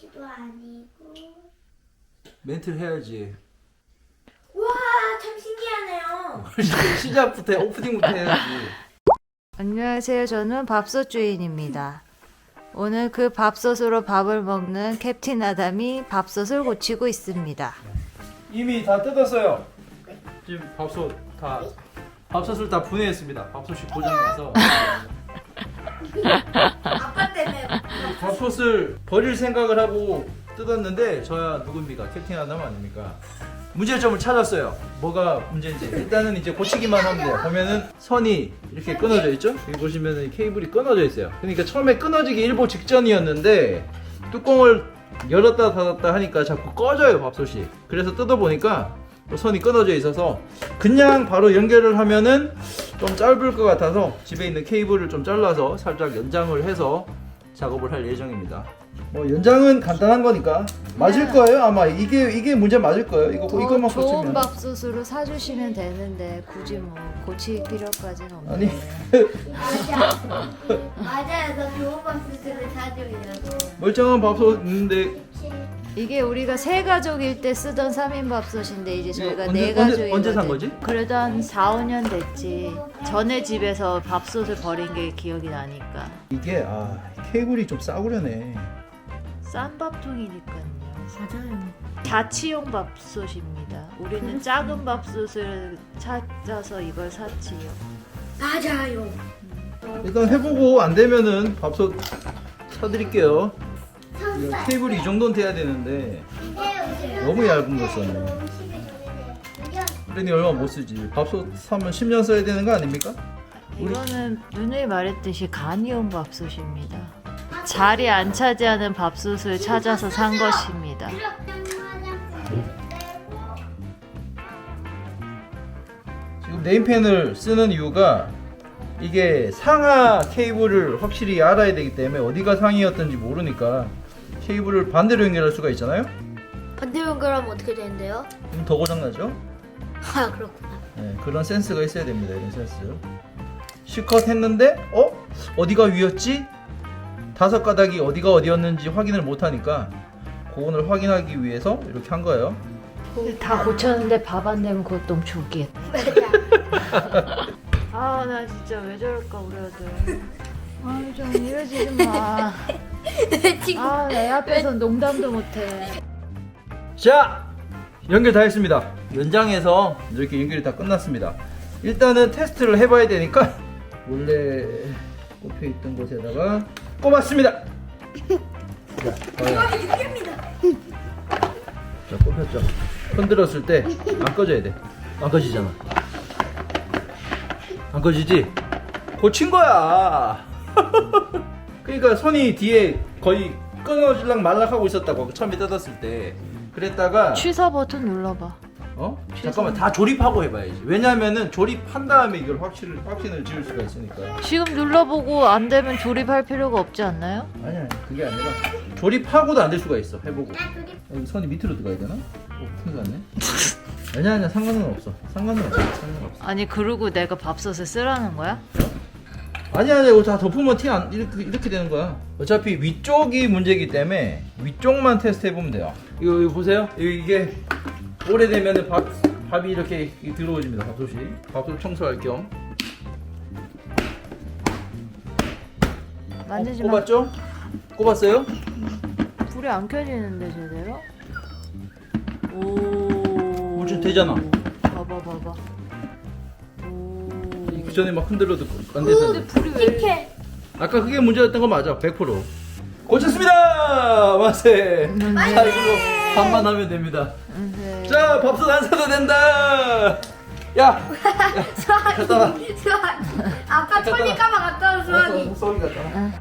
도 아니고. 멘트를 해야지. 와, 참 신기하네요. 시작부터 오프닝부터 해야지. 안녕하세요. 저는 밥솥 주인입니다. 오늘 그 밥솥으로 밥을 먹는 캡틴 아담이 밥솥을 고치고 있습니다. 이미 다 뜯었어요. 지금 밥솥을 다 분해했습니다. 밥솥이 고장나서 아빠 때문에. 밥솥을 버릴 생각을 하고 뜯었는데 저야 누굽니까? 캡틴 아담 아닙니까? 문제점을 찾았어요. 뭐가 문제인지. 일단은 이제 고치기만 하면 돼요. 보면은 선이 이렇게 끊어져 있죠? 여기 보시면은 케이블이 끊어져 있어요. 그러니까 처음에 끊어지기 일보 직전이었는데 뚜껑을 열었다 닫았다 하니까 자꾸 꺼져요, 밥솥이. 그래서 뜯어보니까 선이 끊어져 있어서 그냥 바로 연결을 하면은 좀 짧을 것 같아서 집에 있는 케이블을 좀 잘라서 살짝 연장을 해서 작업을 할 예정입니다. 뭐 연장은 간단한 거니까 맞을 거예요. 아마 이게 문제 맞을 거예요. 이것만 좋은 고치면. 밥솥으로 사주시면 되는데 굳이 뭐 고칠 필요까지는 없네요. 아니 맞아. 맞아요. 저 좋은 밥솥을 사주려고. 멀쩡한 밥솥 있는데 이게 우리가 세 가족일 때 쓰던 3인 밥솥인데 이제 저희가 언제- 네 언제- 가족이거든요. 언제 산 거지? 그래도 한 4, 5년 됐지. 전에 집에서 밥솥을 버린 게 기억이 나니까. 이게 케이블이 좀 싸구려네. 싼 밥통이니까요. 맞아요. 자취용 밥솥입니다. 우리는 작은 밥솥을 찾아서 이걸 샀지요. 맞아요. 일단 해보고 안 되면은 밥솥 사드릴게요. 케이블이 이 정도는 돼야 되는데 너무 얇은 거 썼네. 그러니 얼마 못 쓰지. 밥솥 사면 10년 써야 되는 거 아닙니까? 이거는 누누이 말했듯이 간이용 밥솥입니다. 자리 안 차지하는 밥솥을 찾아서 산 것입니다. 지금 네임펜을 쓰는 이유가 이게 상하 케이블을 확실히 알아야 되기 때문에 어디가 상이었던지 모르니까 케이블을 반대로 연결할 수가 있잖아요. 반대로 연결하면 어떻게 되는데요? 그럼 더 고장나죠? 아, 그렇구나. 네, 그런 센스가 있어야 됩니다. 이런 센스. 실컷 했는데 어디가 위였지? 5가닥이 어디가 어디였는지 확인을 못하니까 그거를 확인하기 위해서 이렇게 한 거예요. 다 고쳤는데 밥 안 되면 그것도 너무 좋겠다. 아, 나 진짜 왜 저럴까 우리 아들. 좀 이러지 좀 마. 내 앞에서 농담도 못해. 자, 연결 다 했습니다. 연장해서 이렇게 연결이 다 끝났습니다. 일단은 테스트를 해봐야 되니까 원래 꼽혀있던 곳에다가 꼽았습니다. 자, 자, 꼽혔죠. 흔들었을 때 안 꺼져야 돼. 안 꺼지잖아. 안 꺼지지? 고친 거야. 그러니까 손이 뒤에 거의 끊어질락 말락하고 있었다고 처음에 뜯었을 때. 그랬다가 취사 버튼 눌러봐. 잠깐만 다 조립하고 해봐야지. 왜냐면은 조립한 다음에 이걸 확신을 지을 수가 있으니까. 지금 눌러보고 안 되면 조립할 필요가 없지 않나요? 아니 그게 아니라 조립하고도 안 될 수가 있어. 해보고. 여기 선이 밑으로 들어가야 되나? 큰일 났네. 아니야 상관은 없어. 상관은 없어. 아니 그러고 내가 밥솥을 쓰라는 거야? 아니야 이거 다 덮으면 이렇게 되는 거야. 어차피 위쪽이 문제이기 때문에 위쪽만 테스트 해보면 돼요. 이거 보세요. 이게 오래되면 밥이 이렇게 들어오집니다. 밥솥 청소할 겸. 만지지 마. 꼽았죠? 꼽았어요? 불이 안 켜지는데 제대로? 오. 좀 되잖아. 봐봐. 오. 그 전에 막 흔들어도 안 돼서. 불이 왜 이렇게? 아까 그게 문제였던 거 맞아. 100%. 고쳤습니다. 만세. 자 이걸로 밥만 하면 됩니다. 네. 자 밥솥 안 사도 된다. 야. 수학이. 아빠 천일까봐 갔다 온 수학이. 수학이 갔다.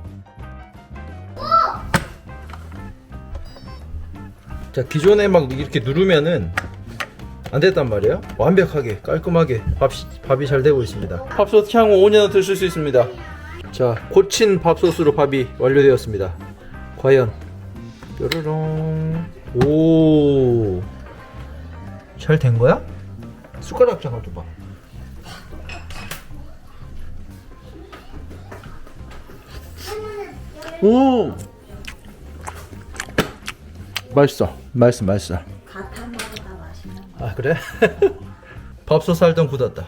자 기존에 막 이렇게 누르면은 안 됐단 말이에요. 완벽하게 깔끔하게 밥이 잘 되고 있습니다. 밥솥 향후 5년은 드실 수 있습니다. 자 고친 밥솥으로 밥이 완료되었습니다. 과연 뾰로롱. 오, 잘 된 거야? 숟가락 장을 좀 봐. 오, 맛있어. 맛있어. 갓한 거보다 맛있는 거. 아 그래? 밥솥 살던 굳었다.